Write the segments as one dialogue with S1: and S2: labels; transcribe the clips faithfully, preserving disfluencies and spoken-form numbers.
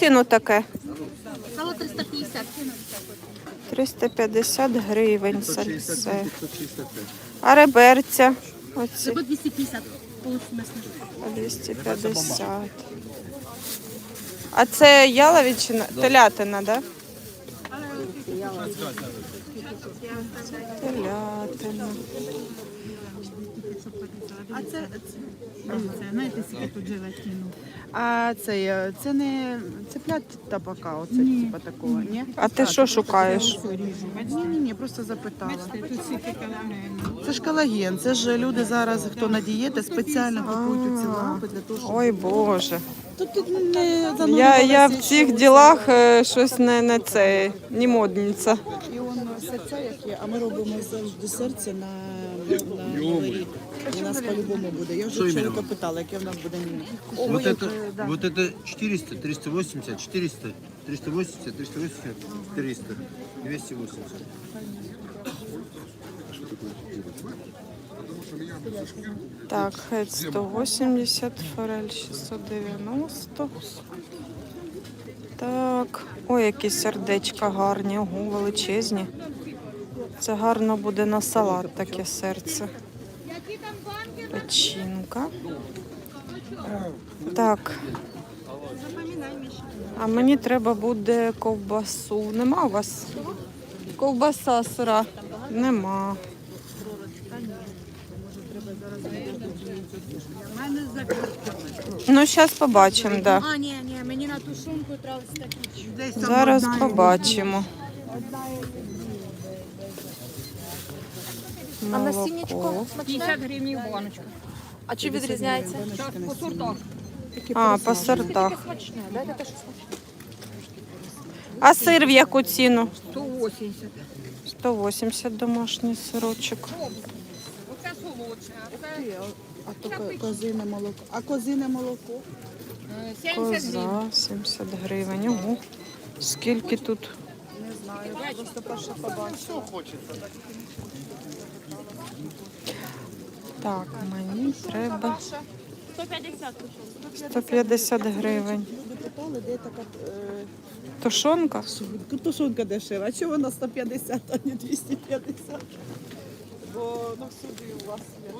S1: ціну таке?
S2: Сало триста п'ятдесят.
S1: триста п'ятдесят гривень сальце. А реберця? Оці
S2: По двісті п'ятдесят. Полусмисне.
S1: двісті п'ятдесят. А це яловичина, телятина, да? Телятина.
S3: А це, це, знаєте, скільки тут желатину. А це, це не цеплят табака, оце типа такого, ні?
S1: А ти що шукаєш?
S3: Ні, ні, ні, просто запитала. Це ж колаген, це ж люди зараз, хто на дієти, спеціально купують ці лампи для того, щоб...
S1: Ой, Боже.
S3: Тут, тут не
S1: Я, я в цих ділах е, щось не, не це, не модниця.
S3: І воно серця як є, а ми робимо завжди серце на, на Новий рік. У нас по-любому буде. Я вже чоловіка питала, яке в нас буде меню.
S4: Вот это, вот это четыреста, триста восемьдесят, четыреста, триста восемьдесят, триста восемьдесят, триста, двести восемьдесят.
S1: Так, хед сто вісімдесят, форель шістсот дев'яносто. Так, ой, які сердечка гарні, ого, величезні. Це гарно буде на салат таке серце. Печінка. Так. А мені треба буде ковбасу. Нема у вас? Ковбаса сира? Нема. Ну, зараз побачимо, так. Да.
S2: А, ні, ні, мені на тушонку треба такі.
S1: Зараз побачимо.
S2: А насіннячко?
S5: п'ятдесят гривень баночка.
S2: А чи відрізняється?
S5: По сортах.
S1: А, по сортах. А сир в яку ціну?
S5: сто вісімдесят.
S1: сто вісімдесят домашній сирочок.
S5: Оце солодше, а це
S3: А то ко- козине молоко. А козине молоко?
S5: е, сімдесят гривень.
S1: Коза, сімдесят гривень. Ого. Скільки тут?
S3: Не знаю, просто перше побачила.
S1: Так, мені треба
S2: сто п'ятдесят.
S1: сто п'ятдесят гривень.
S3: Люди питали, де така е,
S1: Тушонка?
S3: тушонка дешева. А чого вона сто п'ятдесят, а не двісті п'ятдесят? Бо ну всюди у вас є.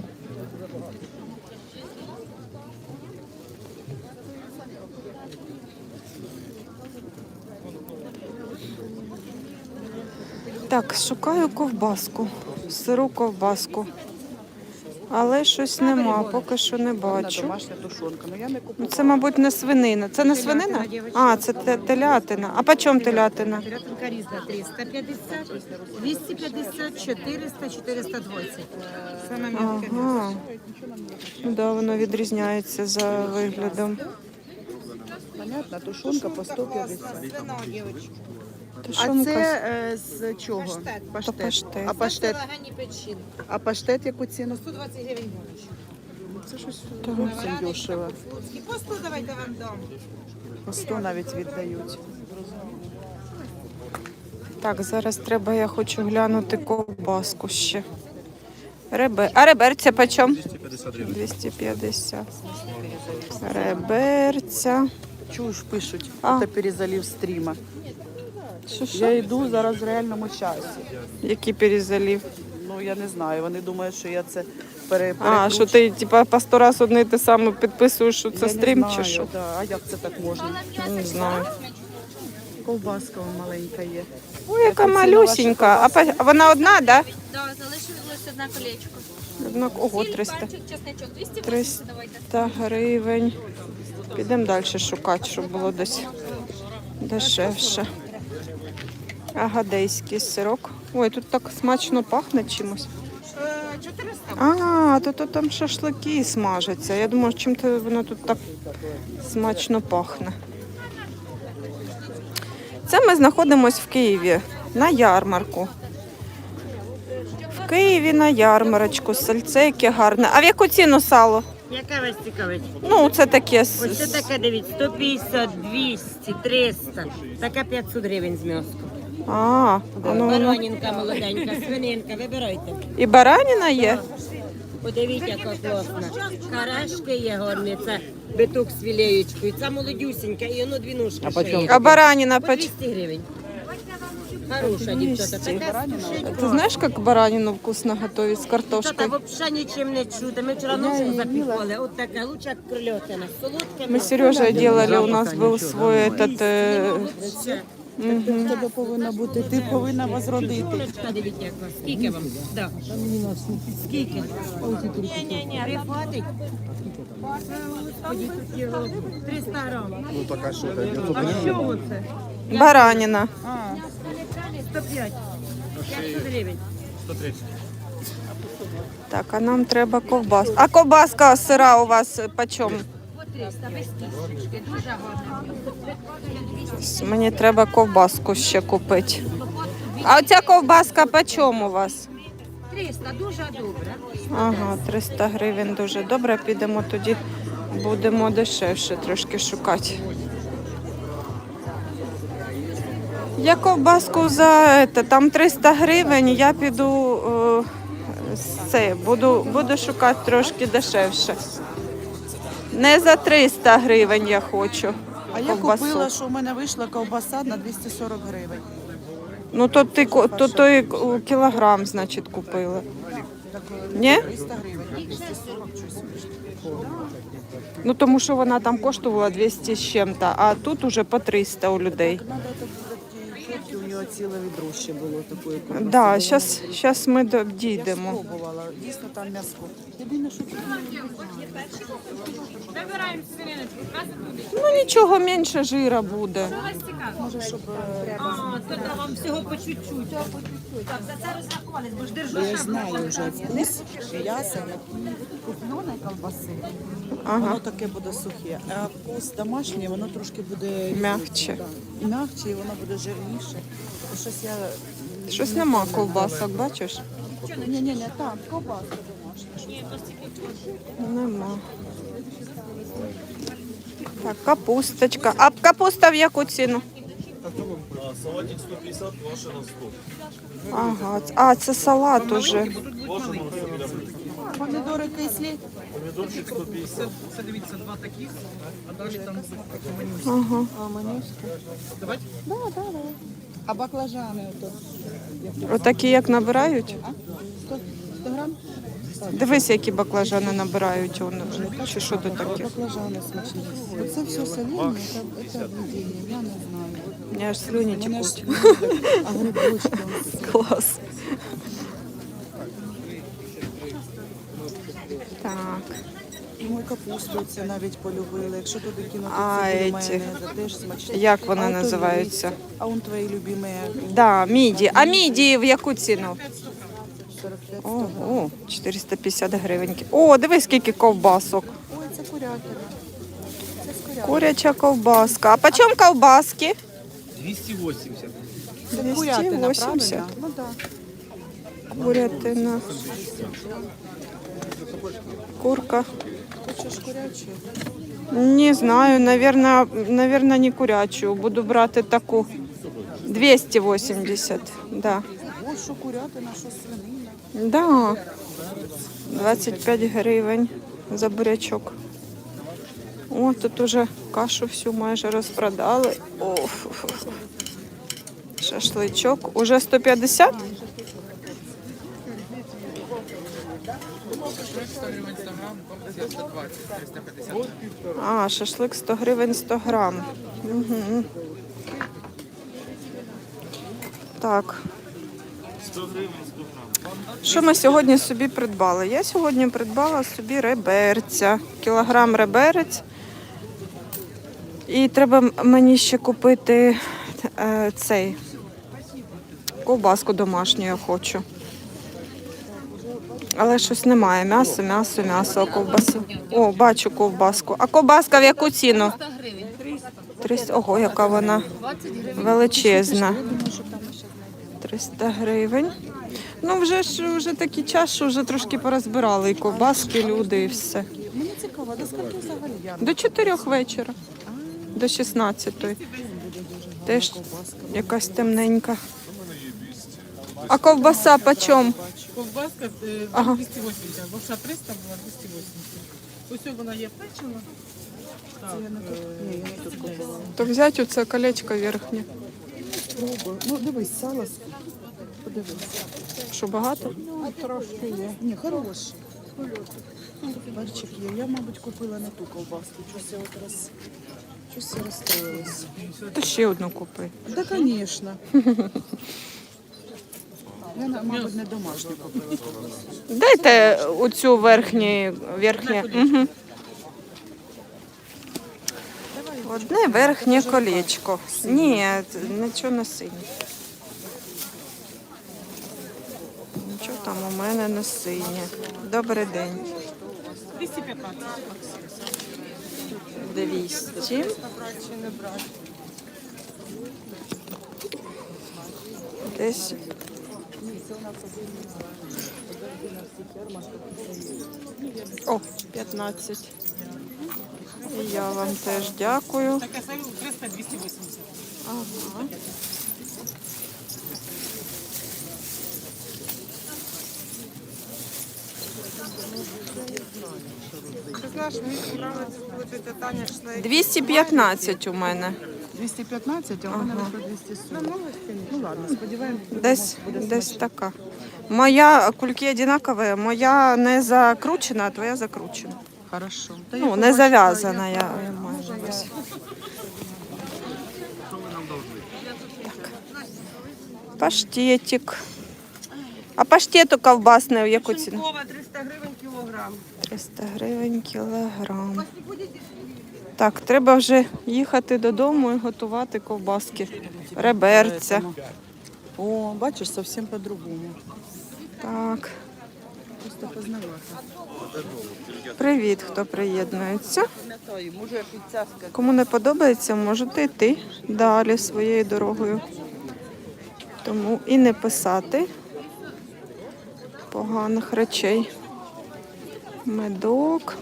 S1: Так, шукаю ковбаску. Сиру ковбаску. Але щось нема, поки що не
S3: Вона
S1: бачу.
S3: домашня тушонка. Ну я не
S1: Ну,
S3: купила.
S1: це, мабуть, не свинина. Це не свинина? А, це те- телятина. А по чому телятина?
S5: Телятинка різна триста п'ятдесят, двісті п'ятдесят, чотириста, чотириста двадцять. Саме м'яке м'ясо.
S1: Ага. Ну, да, воно відрізняється за виглядом.
S3: Понятно, тушонка по сто п'ятдесят. А
S1: Тушонка.
S3: це е, з чого? Паштет.
S1: паштет.
S3: А паштет,
S5: Легені печінки.
S3: а паштет яку ціну?
S5: сто двадцять гривень баночка.
S3: Це щось зовсім дешево.
S5: І по сто давайте вам дам.
S3: По сто навіть віддають.
S1: Так, зараз треба, я хочу глянути ковбаску ще. Ребе... А реберця по чому? двісті п'ятдесят. Реберця.
S3: Чуєш, пишуть,
S1: А.
S3: це перезалив стріма.
S1: Що, що?
S3: Я йду зараз в реальному часі.
S1: Який перезалів?
S3: Ну, я не знаю, вони думають, що я це пере,
S1: А, що ти типа по сто раз одне і те саме підписуєш, що це
S3: Я
S1: стрім
S3: не
S1: чи
S3: знаю,
S1: що?
S3: Да. А як це так можна?
S1: Не знаю.
S3: Ковбаска вон маленька є.
S1: Ой, яка
S3: Яку ціну
S1: малюсінька. А, по- а вона одна, так? Да?
S2: Так, залишилось одне колечко.
S1: Одна... Ого, триста.
S2: Перчик, чесничок, двісті
S1: триста
S2: давайте.
S1: гривень. Підемо далі шукати, щоб було десь дешевше. Агадейський сирок. Ой, тут так смачно пахне чимось. А, то, то там шашлики смажаться. Я думаю, чим то воно тут так смачно пахне. Це ми знаходимося в Києві на ярмарку. В Києві на ярмарочку. Сальце яке гарне. А в яку ціну сало?
S6: Яка вас цікавить?
S1: Ну, це таке. з-
S6: Ось це таке, дивіться, сто п'ятдесят, двісті, триста. Така п'ятсот гривень з м'яском.
S1: А, а ну, воно.
S6: Баранінка молоденька, свининка, вибирайте.
S1: І бараніна є?
S6: Подивіться, яка класна. Карашки є гарні, це биток з філеєчкою. Це молодюсінька, і воно дві ножки ще є.
S1: А баранина
S6: По
S1: поч...
S6: двісті гривень. Хороша дівчата. Така
S1: Ты знаешь, как баранину вкусно готовить с
S6: Дівчата
S1: картошкой?
S6: взагалі нічим не чути. Ми вчора ножку запікали. От така, лучше як крильотина. Солодке.
S1: Мы с Сережей делали, у нас был свой этот... э,
S3: В тебе повинна бути, ти повинна возродити.
S6: Курочка, дивіться, яка. Скільки вам? Да. Скільки? Ні-ні-ні, прихватить. Господи, тут його триста грам. А що це?
S1: Баранина.
S6: сто п'ять. п'ятсот гривень.
S1: Так, а нам треба ковбас. А ковбаска сира у вас почем? Мені треба ковбаску ще купити. А оця ковбаска почем у вас?
S5: триста, дуже добре.
S1: Ага, триста гривень дуже добре. Підемо тоді, будемо дешевше трошки шукати. Я ковбаску за це, там триста гривень, я піду е, це, буду, буду шукати трошки дешевше. Не за триста гривень я хочу
S3: А я
S1: ковбасу.
S3: купила, що в мене вийшла ковбаса на двісті сорок гривень.
S1: Ну то ти ко- то той кілограм, значить, купила. Ні?
S3: триста гривень, двісті сорок щось вийшло.
S1: Ну тому що вона там коштувала двісті з чим-то, а тут уже по триста у людей.
S3: Надо так буде ті чотки, у нього ціле відро ще було такої ковбаси.
S1: Да, зараз, зараз ми до- дійдемо.
S3: Я спробувала, дійсно там м'ясо. Єдине, що тут
S1: Ну нічого, менше жира буде.
S3: може, щоб е,
S6: А, то да, вам всього по чуть-чуть. Так, за це розрахувались, бо ж держу.
S3: я знаю вже вкус м'яса, як купленої колбаси.
S1: Ага.
S3: Воно таке буде сухе. А вкус домашній, воно трошки буде
S1: М'якче.
S3: Да. І м'якче, і воно буде жирніше. І щось я
S1: Щось нема ковбасок, бачиш?
S3: ні, ні, ні, там ковбаска домашня.
S1: Нема. Так, капусточка. А капуста в яку ціну?
S7: Салатик сто пятьдесят, ваша на сто.
S1: Ага, а це салат уже.
S3: Помідори кислі.
S7: Помидорчик сто пятьдесят.
S1: Ага.
S3: А менюшка. Давайте? Да, да, да. А баклажани ото?
S1: Отакі як набирають?
S3: сто, сто грам?
S1: Дивись, які баклажани набирають. Вони. Чи що тут таке?
S3: Баклажани смачні. Оце все соління, це, це об'єднання, я не знаю.
S1: У мене аж слюні
S3: Мене ж
S1: текуть.
S3: а грибочки.
S1: Клас. Так.
S3: І мою капусту це навіть полюбили. Якщо туди кинути
S1: А,
S3: цибулю,
S1: еті.
S3: майонез, теж смачні.
S1: Як вони
S3: А ото
S1: називаються?
S3: є. А он твої любимі
S1: Да, міді. А міді в яку ціну?
S3: сорок п'ять.
S1: Ого, чотириста п'ятдесят гривень. О, дивись, скільки ковбасок.
S3: Ой, це курятина. Це з курятини.
S1: Куряча ковбаска. А по чому ковбаски?
S7: двести восемьдесят.
S3: Це курятина,
S1: двісті вісімдесят.
S3: правильно? Ну так.
S1: Курятина. Курка.
S3: Хочеш курячу?
S1: Не знаю, наверное, наверное, не курячу. Буду брати таку. двісті вісімдесят. Да.
S3: Ось що курятина, що свинина.
S1: Да. двадцять п'ять гривень за бурячок. О, тут уже кашу всю майже розпродали. О, фу-фу-фу. Шашличок. Уже сто п'ятдесят? А, шашлик сто гривень сто грам. Угу. Так. Що ми сьогодні собі придбали? Я сьогодні придбала собі реберця. Кілограм реберець. І треба мені ще купити е, цей ковбаску домашню я хочу. Але щось немає. М'ясо, м'ясо, м'ясо, а ковбаси. О, бачу ковбаску. А ковбаска в яку ціну? триста. Ого, яка вона величезна. триста гривень. Ну, вже ж вже такий час, що вже трошки порозбирали і ковбаски, люди, і все.
S3: Мені цікаво, до скільки взагалі я?
S1: До чотирьох вечора. До шістнадцятої. Теж якась темненька. А ковбаса по чому?
S3: Бачу. Ковбаска е,
S1: Ага.
S3: двісті вісімдесят, бо триста була двісті вісімдесят. Ось вона є печена. Так, е,
S1: То взяти оце колечко верхнє.
S3: Пробуй. Ну, дивись, сало. Подивись.
S1: Що багато?
S3: Ну, трошки є. Ні, хороший. Перчик є. Я, мабуть, купила не ту ковбаску. Щось я от роз... Щось я розстроїлась.
S1: То ще одну купи.
S3: Да, звісно. Я, на- мабуть, не домашню купила ковбаску.
S1: Дайте оцю верхнє, верхнє. Угу. Одне верхнє колечко. Ні, нічого не синє. Нічого там у мене не синє. Добрий день.
S3: двісті п'ятнадцять.
S1: двісті. Десь. О, п'ятнадцять. І я вам теж дякую.
S3: Таке сало триста двісті вісімдесят.
S1: Ага.
S8: Ти знаєш, мені подобається, коли тетя Таня йшла.
S1: двісті п'ятнадцять у мене.
S3: двісті п'ятнадцять, а у мене вийшло двісті сорок. Ну ладно, сподіваємося.
S1: Десь, десь така. Моя кульки одинакові, моя не закручена, а твоя закручена.
S3: Хорошо. Та я
S1: Ну, не
S3: побачила,
S1: зав'язана,
S3: я-
S1: я, я маю на увазі. Паштетик. А паштету ковбасний в яку ціну?
S8: триста гривень кілограм.
S1: триста гривень кілограм. Так, треба вже їхати додому і готувати ковбаски. Реберця.
S3: О, бачиш, зовсім по-другому.
S1: Так.
S3: Просто познавати.
S1: Привіт, хто приєднується. Кому не подобається, можете йти далі своєю дорогою. Тому і не писати поганих речей. Медок,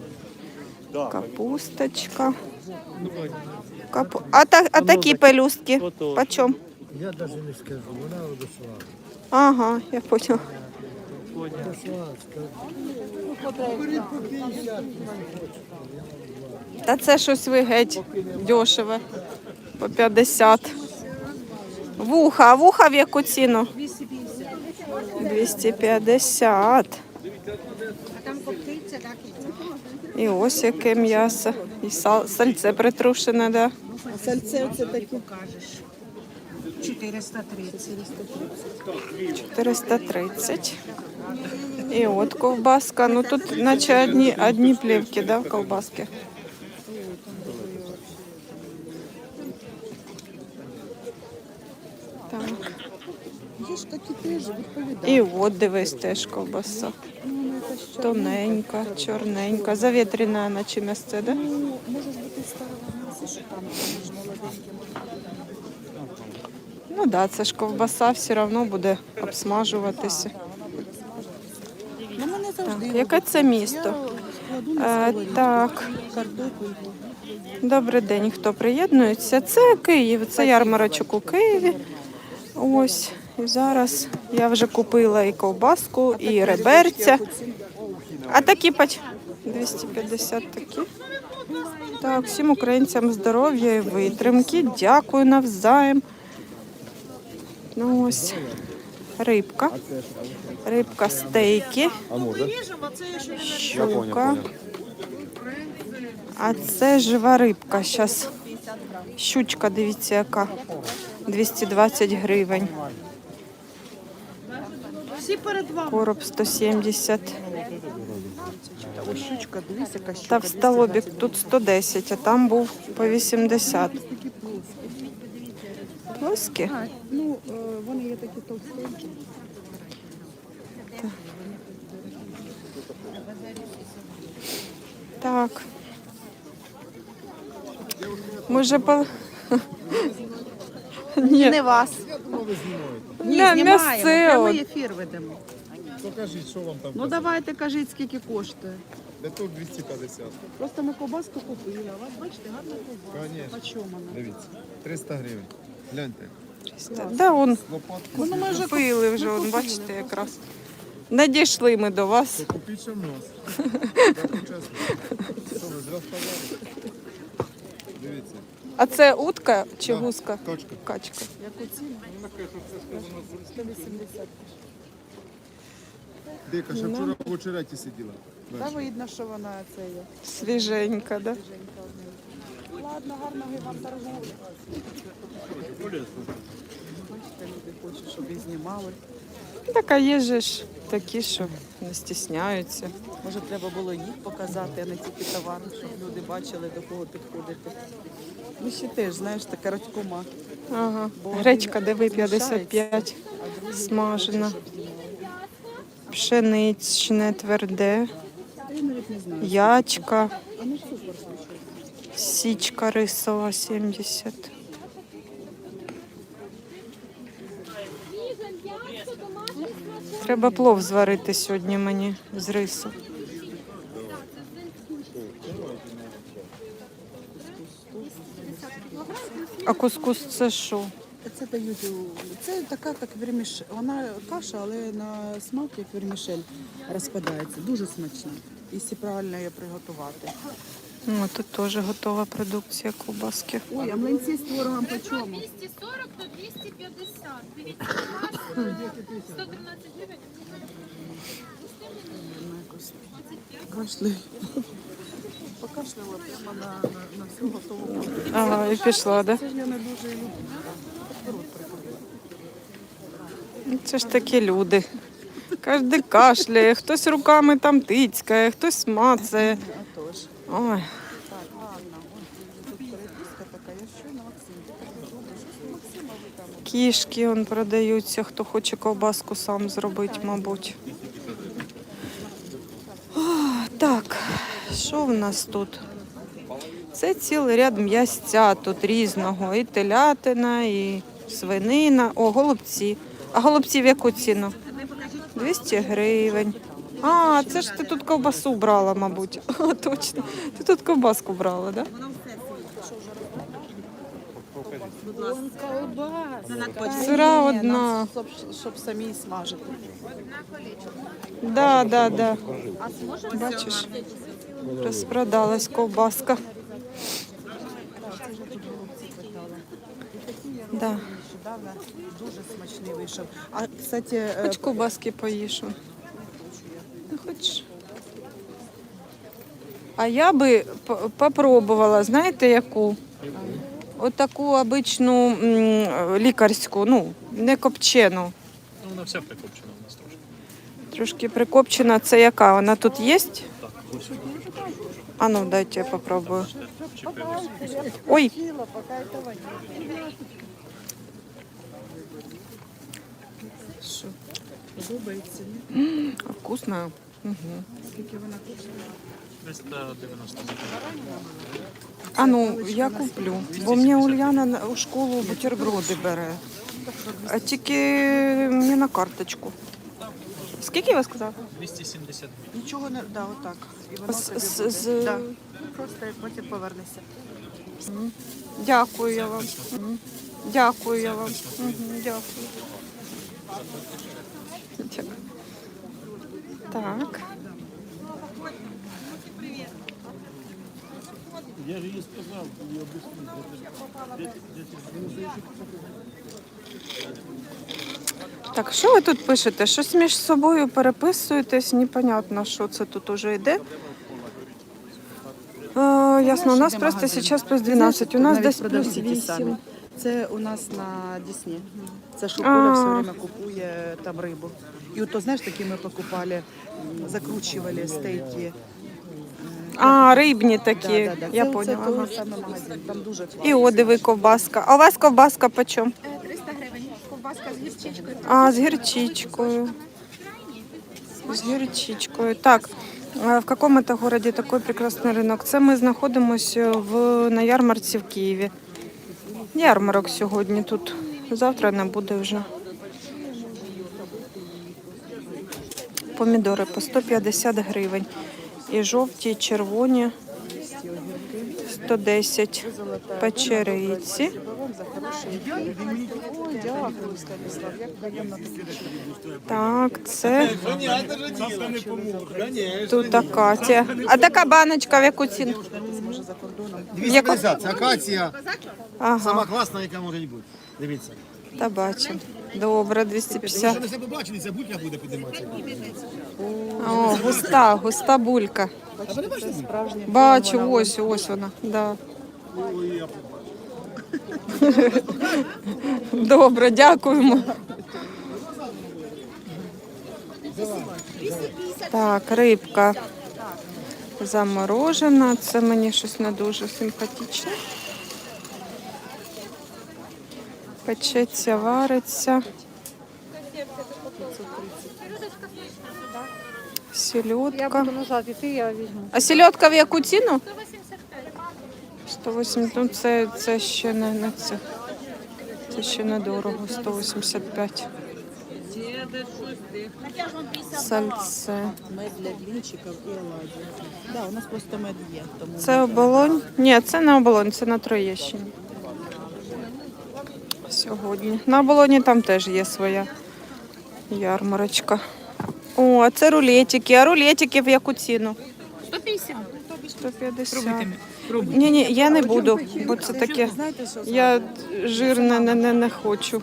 S1: капусточка. Капу... А, та, а такі пелюстки? Почем?
S9: Я навіть не скажу, вона одошла.
S1: Ага, я поняла. Та це щось ви геть дешеве. По п'ятдесят. Вуха, а вуха в яку ціну? двісті п'ятдесят. І ось яке м'ясо. І сал, сальце притрушене, да?
S3: А сальце це таке.
S5: чотириста тридцять.
S1: чотириста тридцять. І от ковбаска. Ну тут наче одні, одні плівки, да, ковбаски. Так.
S3: Є ж такі теж відповідають.
S1: І от дивись теж ковбаса. Тоненька, чорненька. Завітряна наче м'ясце, да?
S3: Ну, може ж бути старого м'яса, що там між молоденьким.
S1: Ну так, да, це ж ковбаса все одно буде обсмажуватися.
S3: Ну, мене завжди.
S1: Так, яке це місто?
S3: Я складу на
S1: Е,
S3: сковорідку
S1: так,
S3: картопельку.
S1: добрий день, хто приєднується. Це Київ, це ярмарочок у Києві. Ось, і зараз я вже купила і ковбаску, і реберця. А такі пач... двісті п'ятдесят такі. Так, всім українцям здоров'я і витримки. Дякую навзаєм. Ну ось, рибка. Рибка, стейки. Щука. А це жива рибка. Зараз щучка, дивіться, яка. двісті двадцять гривень.
S3: Всі перед вами.
S1: Короб сто сімдесят.
S3: Ось щучка, дивись, яка щука.
S1: Та в столобік тут сто десять, а там був по вісімдесят. Плоскі?
S3: А, ну, е, вони є такі товстенькі.
S1: Так. Ми вже по... Ні,
S8: Не вас.
S3: Ні,
S1: М'я-
S3: знімаємо,
S1: м'ясце
S3: прямий
S1: от.
S3: ефір ведемо.
S9: Покажіть, що вам там.
S3: Ну давайте кажіть, скільки коштує.
S9: Биток двісті п'ятдесят.
S3: Просто ми ковбаску купили, а у вас, бачите, гарна ковбаска.
S9: Конечно.
S3: По чому вона?
S9: Дивіться, триста гривень. Гляньте.
S1: Да, он
S9: Лопатки.
S3: Ну, ми вже
S1: купили вже, он, бачите, якраз. Надійшли ми до вас.
S9: Купіть ще в нас. Так, чесно. Що ви зря сказали? Дивіться.
S1: А це утка чи
S9: Да,
S1: гуска?
S9: Качка.
S1: Качка.
S9: Дика, ще вчора в очереті сиділа.
S3: Та видно, що вона це є.
S1: Свіженька, да?
S3: Ладно, гарного і вам торгівлі. Бачите, люди хочуть, щоб їх знімали.
S1: Так, а є же ж такі, що не стісняються.
S3: Може, треба було їх показати, а не тільки товар, щоб люди бачили, до кого підходити. Ми ще теж, знаєш, така радькома.
S1: Ага.
S3: Бо
S1: Гречка,
S3: один
S1: диви, п'ятдесят п'ять.
S3: а другий
S1: Смажена.
S3: хоче, щоб знімали.
S1: Пшеничне, тверде.
S3: Я навіть не знаю.
S1: Ячка.
S3: А ну супер, слушай.
S1: Січка рисова, сімдесят. Треба плов зварити сьогодні мені з рису. А кускус це що?
S3: Це дають, у- це така, як вермішель. Вона каша, але на смак, як вермішель, розпадається. Дуже смачна, якщо правильно її приготувати.
S1: О, тут теж готова продукція ковбаски.
S3: Ой, а млинці з творогом по чому?
S2: двісті сорок до двісті п'ятдесят. Дивіться, сто тринадцять гривень.
S3: Кашляю. Покашляла прямо на, на, на всю готову.
S1: Ага, і пішла, да?
S3: Це ж я не дуже люблю.
S1: Це ж такі люди. Кожен кашляє, хтось руками там тицькає, хтось мацає.
S3: А то ж.
S1: Ой,
S3: Так, ладно. Ой, тут переписка така. Я що на Максим? Так добре, що Максима ви там?
S1: кішки он продаються, хто хоче ковбаску сам зробити, мабуть. О, так, що в нас тут? Це цілий ряд м'ясця тут різного. І телятина, і свинина. О, голубці. А голубці в яку ціну? двісті гривень. А, це ж ти тут ковбасу брала, мабуть. А, точно. Ти тут ковбаску брала, так? Да? Сира
S3: Ні,
S1: одна.
S3: нам, Щоб, щоб самі смажити.
S1: Да, да, да. Бачиш, розпродалась ковбаска. Да.
S3: Нещодавно дуже смачний вийшов. А, кстати, е,
S1: Хоч ковбаски поїш. он. Не хочеш? А я би п- попробувала, знаєте, яку? Отаку обичну м, лікарську, ну, не копчену.
S7: Ну, вона вся прикопчена у нас трошки.
S1: Трошки прикопчена. Це яка? Вона тут є?
S7: Так, ось.
S1: А ну, дайте я попробую.
S7: Чіпилось.
S1: Ой, що?
S3: подобається, ні?
S1: Вкусно. Угу.
S3: Скільки вона коштує?
S7: триста дев'яносто гривень.
S1: А ну, я куплю. Бо мені Ульяна на- у школу бутерброди бере. А тільки мені на карточку. Скільки ви сказали?
S7: двісті сімдесят гривень.
S3: Нічого не, да, отак. І воно
S1: З-
S3: тобі
S1: з-
S3: буде.
S1: з-
S3: Да. Просто потім повернешся.
S1: Дякую я вам. Мгм. Дякую я вам. Мгм, Дякую. Дякую. Так.
S7: Я ж їй сказав, я
S1: Так, що ви тут пишете? Щось між собою переписуєтесь, непонятно, що це тут уже йде. Е, ясно, у нас
S3: Де
S1: просто
S3: магазин?
S1: зараз плюс
S3: Ти
S1: дванадцять, у
S3: знаєш,
S1: нас
S3: навіть
S1: десь плюс
S3: продавці ті самі.
S1: вісім.
S3: Це у нас на Дісні. Це що
S1: А.
S3: Коля все время купує там рибу. І от то, знаєш, такі ми покупали, м, закручували стейки.
S1: А, рибні такі,
S3: Да, да, да.
S1: я
S3: це,
S1: поняла.
S3: Це
S1: ага.
S3: той самий магазин, там дуже класно.
S1: І одиви ковбаска. А у вас ковбаска по чому?
S2: триста гривень. Ковбаска з гірчичкою.
S1: А, з гірчичкою. З гірчичкою. Так, е, в якому-то городі такий прекрасний ринок. Це ми знаходимося в, на ярмарці в Києві. Ярмарок сьогодні тут. Завтра не буде вже. Помідори по сто п'ятдесят гривень. І жовті, і червоні. сто десять печериці.
S3: Вам за хороший ефір. Ой, дякую, Станіслав, як приємно таке.
S1: Так, це тут акація. А така баночка в яку ціну?
S3: Може за кордоном.
S9: двісті п'ятдесят, це акація,
S1: Ага,
S9: сама класна, яка може бути. Дивіться.
S1: та бачимо. Добре, двісті
S9: Що
S1: п'ятдесят.
S9: ви себе бачили, ця булька буде підніматися.
S1: О, густа, густа булька.
S3: Це справжня
S1: Бачу, ось, ось вона. Да. Добре, дякуємо. Так, рибка заморожена. Це мені щось не дуже симпатичне. Печеться, вариться. Сельодка. А сельодка в яку ціну? сто вісімдесят. Ну, це, це ще не, не це. Це ще недорого. сто вісімдесят п'ять. Сальце.
S3: мед для блінчиків і оладів. Да, у нас просто мед є. Тому
S1: Це оболонь? Ні, це не оболонь, це на Троєщині. Сьогодні. На оболоні там теж є своя ярмарочка. О, а це рулетики. А рулетики в яку ціну?
S2: сто п'ятдесят.
S1: сто п'ятдесят. Ні, ні, я не буду, бо це таке.
S3: знаєте, що
S1: Я жирне не, не, не хочу.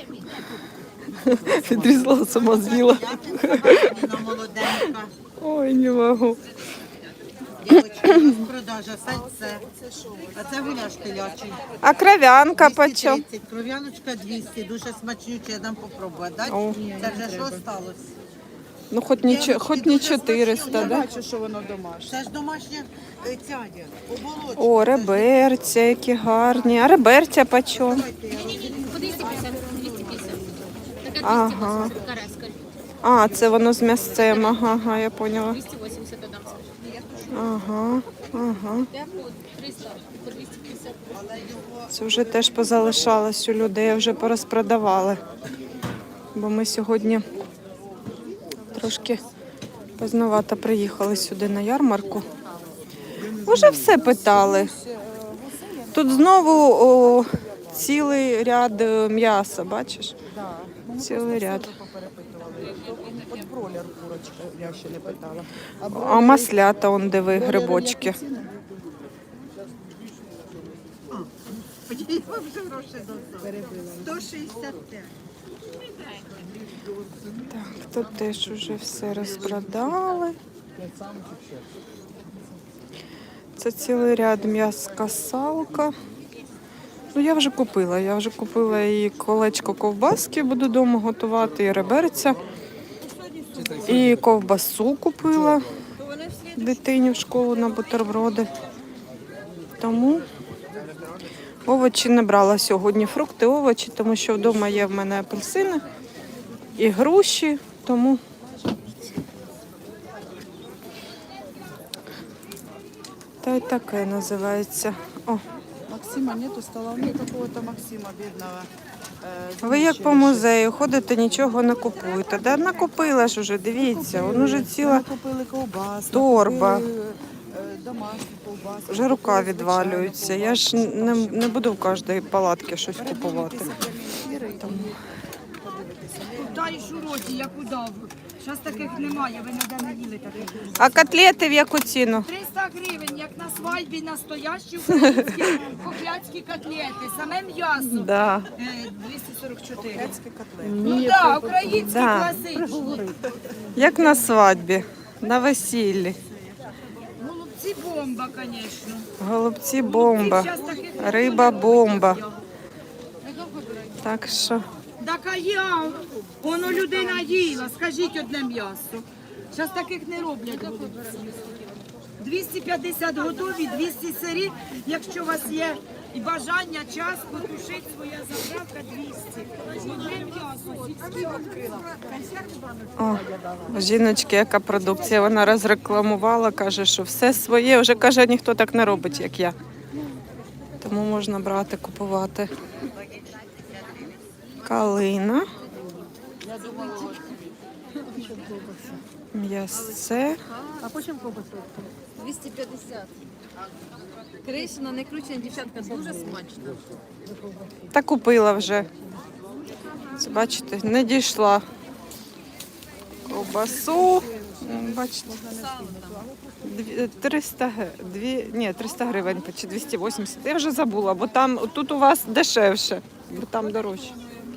S1: Відрізала, сама з'їла.
S6: Молоденька.
S1: Ой, не можу.
S6: Дівчатка, у нас продажа сальце. А це гуляш телячий.
S1: А кров'янка почем?
S6: двісті тридцять, кров'яночка двісті, дуже смачнюче, я дам попробувати. Дать?
S1: О.
S6: Це вже що сталося?
S1: Ну, хоч не, чо- хоч не чотириста,
S3: я
S1: да?
S3: бачу, що воно домашнє.
S6: Це ж домашня е, цядя, оболочка.
S1: О, реберця, які гарні. А реберця почем?
S2: По двісті п'ятдесят. двісті п'ятдесят. Така
S1: Ага.
S2: двісті вісімдесят. Караська.
S1: А, це воно з м'ясцем. Ага, ага, я поняла.
S2: двісті вісімдесят додам.
S1: Ага, ага.
S2: Де по триста, по двісті п'ятдесят.
S1: Це вже теж позалишалось у людей, вже порозпродавали. Бо ми сьогодні трошки поздновато приїхали сюди на ярмарку. Уже все питали. Тут знову о, цілий ряд е, м'яса, бачиш?
S3: Да. Ну, ми
S1: Цілий
S3: просто
S1: ряд.
S3: все поперепитували. От бройлер курочка, я ще не питала. А,
S1: А
S3: бройлер-
S1: маслята, он диви,
S3: бройлери
S1: грибочки.
S3: яку ціну?
S6: сто шістдесят п'ять.
S1: Так, тут теж уже все розпродали. Це цілий ряд м'яска салка. Ну, я вже купила. Я вже купила і колечко ковбаски, буду вдома готувати, і реберця. І ковбасу купила дитині в школу на бутерброди. Тому овочі не брала сьогодні. Фрукти, овочі, тому що вдома є в мене апельсини і груші, тому та й таке називається. О,
S3: Максима нету, стала мне какого-то Максима бедного. Е,
S1: ви як
S3: з
S1: по музею ходите, нічого не купуєте. Да накупила ж уже, дивіться, воно вже ціла
S3: Ми купили ковбас,
S1: торба.
S3: купили, е, домашні ковбаси.
S1: вже рука
S3: купили
S1: відвалюється.
S3: звичайну
S1: Я ж
S3: ковбасу,
S1: не,
S3: щоб
S1: не буду в кожній палатці щось купувати.
S3: передивитися прямі ефіри і подивитися.
S5: Даєш у роті, як удав. Зараз таких немає, ви ніде не їли таких.
S1: А котлети в яку ціну?
S5: триста гривень, як на свадьбі настоящі українські кохляцькі котлети, саме м'ясо.
S1: Да.
S5: Е, двісті сорок чотири.
S3: Кацькі котлети.
S5: Ну так, українські
S1: Да.
S5: класичні.
S1: Як на свадьбі, на весіллі.
S5: Голубці бомба, звісно.
S1: Голубці бомба, риба бомба. Так що
S5: Так а я, воно людина їла, скажіть одне м'ясо. Зараз таких не роблять голубці. двісті п'ятдесят готові, двісті сирі. Якщо у вас є і бажання, час, потушити своя заправка двісті. Одне м'ясо, сільські відкрила.
S1: о, у жіночки яка продукція, вона розрекламувала, каже, що все своє, вже каже, ніхто так не робить, як я. Тому можна брати, купувати. Калина. М'ясце.
S2: двісті п'ятдесят. Кришина, не кручена, дівчатка, дуже смачно.
S1: Та купила вже. Це, бачите, не дійшла. Ковбасу. М, Бачите. Дві- триста, г- дві, ні, триста гривень чи двісті вісімдесят. Я вже забула, бо там тут у вас дешевше, бо там дорожче.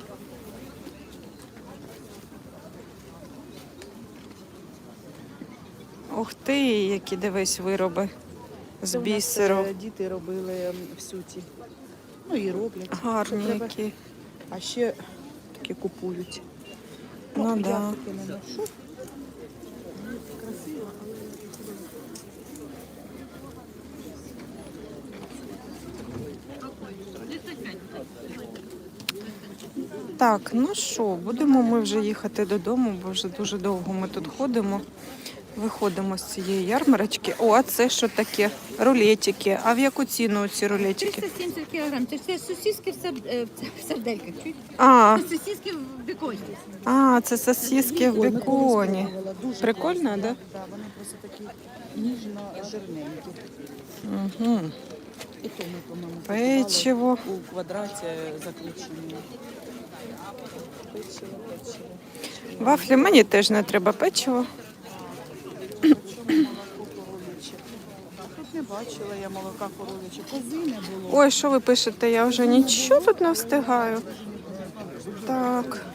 S1: Ух ти, які дивись вироби з
S3: Це у нас,
S1: бісеру.
S3: е, діти робили м, в суті. Ну і роблять.
S1: Гарні
S3: Що треба-
S1: які.
S3: А ще такі купують.
S1: Ну
S3: я
S1: да.
S3: таке не ношу. Красиво, але
S1: Так, ну що, будемо ми вже їхати додому, бо вже дуже довго ми тут ходимо. Виходимо з цієї ярмарочки. О, а це що таке? Рулетики. А в яку ціну ці рулетики?
S2: триста сімдесят кілограм. Це ж це сосиски в сар- е, в сардельках. чуєте?
S1: А,
S2: Це сосиски в беконі.
S1: а це сосиски в
S3: Ой, ми
S1: беконі.
S3: колись дуже
S1: Прикольно,
S3: класно.
S1: да?
S3: Так, вони просто такі ніжно-жирненькі.
S1: Угу.
S3: І то ми, по-моєму, купували
S1: Печиво.
S3: у квадраті заключені. Печиво, печиво.
S1: Вафлі мені теж не треба печиво.
S3: Чому молоко коров'яче? Тут не бачила я молока коров'яче. Кози не було.
S1: Ой, що ви пишете? Я вже нічого тут не встигаю. Так.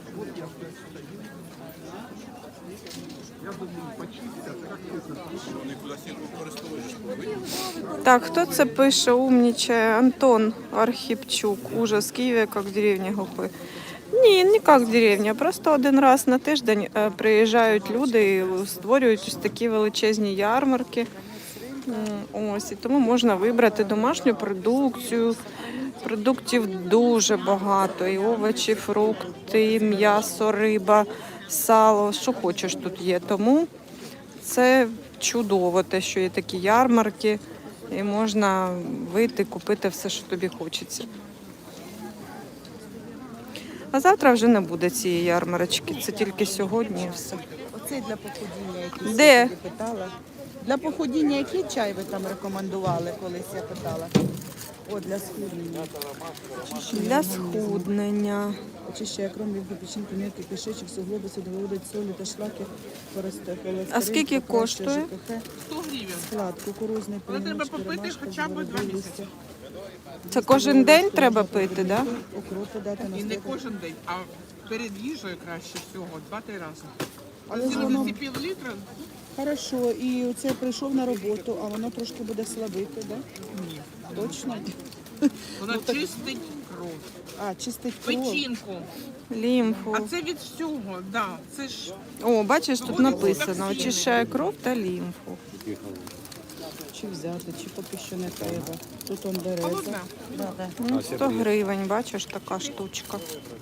S1: Так, хто це пише? Умнічає. Антон Архіпчук. Ужас, Києві, як в деревні глупи. Ні, не як в деревні. Просто один раз на тиждень е, приїжджають люди і створюють ось такі величезні ярмарки. М, Ось, і тому можна вибрати домашню продукцію. Продуктів дуже багато. І овочі, фрукти, і м'ясо, риба, сало. Що хочеш тут є. Тому це чудово, те, що є такі ярмарки. І можна вийти, купити все, що тобі хочеться. А завтра вже не буде цієї ярмарочки. Це тільки сьогодні і все.
S3: Оцей для походіння, який
S1: Де?
S3: я собі питала. Для походіння який чай ви там рекомендували, колись я питала? О, для схуднення.
S1: Для схуднення.
S3: Очищає кров, від печінки, м'який кишечок, суглоби, судоводить, солі та шлаки, користе,
S1: А скільки коштує?
S3: сто гривень. Склад, кукурузний,
S8: Але треба
S3: полунички,
S8: попити
S3: ромашка,
S8: хоча б
S3: зворотні
S8: два
S3: листя.
S8: місяці.
S1: Це кожен день треба пити, так? Да?
S3: Укропи дати на
S8: І не
S3: столик.
S8: кожен день, а перед їжею краще всього, два-три рази.
S3: Але ж воно
S8: сімдесят пів літра?
S3: хорошо, і оце прийшов на роботу, а воно трошки буде слабити, да?
S8: Ні.
S3: Точно?
S8: Вона чистить кров,
S3: А, чистить кров.
S8: печінку.
S1: Лімфу.
S8: А це від всього, да. Це ж
S1: О, бачиш, тут написано: очищає кров та лімфу.
S3: Чи взяти, чи поки що не треба. Тут он береза.
S8: холодне.
S3: Да, да.
S1: Ну, сто гривень, бачиш, така штучка.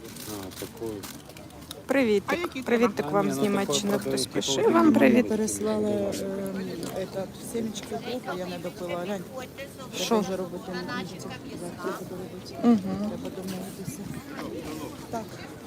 S1: Привітик.
S8: які
S1: Привітик вам з Німеччини хтось пише. Вам
S3: Мама
S1: привіт.
S3: переслала е, этот, семечки укропа, я не допила. Глянь,
S1: Що?
S3: треба вже робити на місці. Завтра буду робити.
S1: Угу.
S3: Треба домовитися. Так.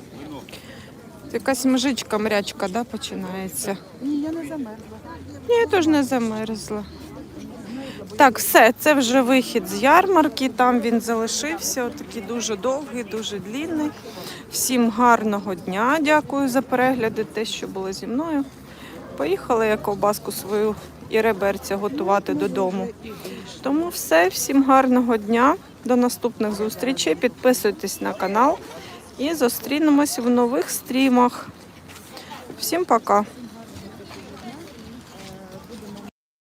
S1: Якась мжичка, мрячка, да, починається.
S3: Ні, я не замерзла.
S1: Ні, я теж не замерзла. Так, все, це вже вихід з ярмарки. Там він залишився. Отакий дуже довгий, дуже длінний. Всім гарного дня. Дякую за перегляди, те, що було зі мною. Поїхала я ковбаску свою і реберця готувати додому. Тому все, всім гарного дня. До наступних зустрічей. Підписуйтесь на канал і зустрінемось в нових стрімах. Всім пока!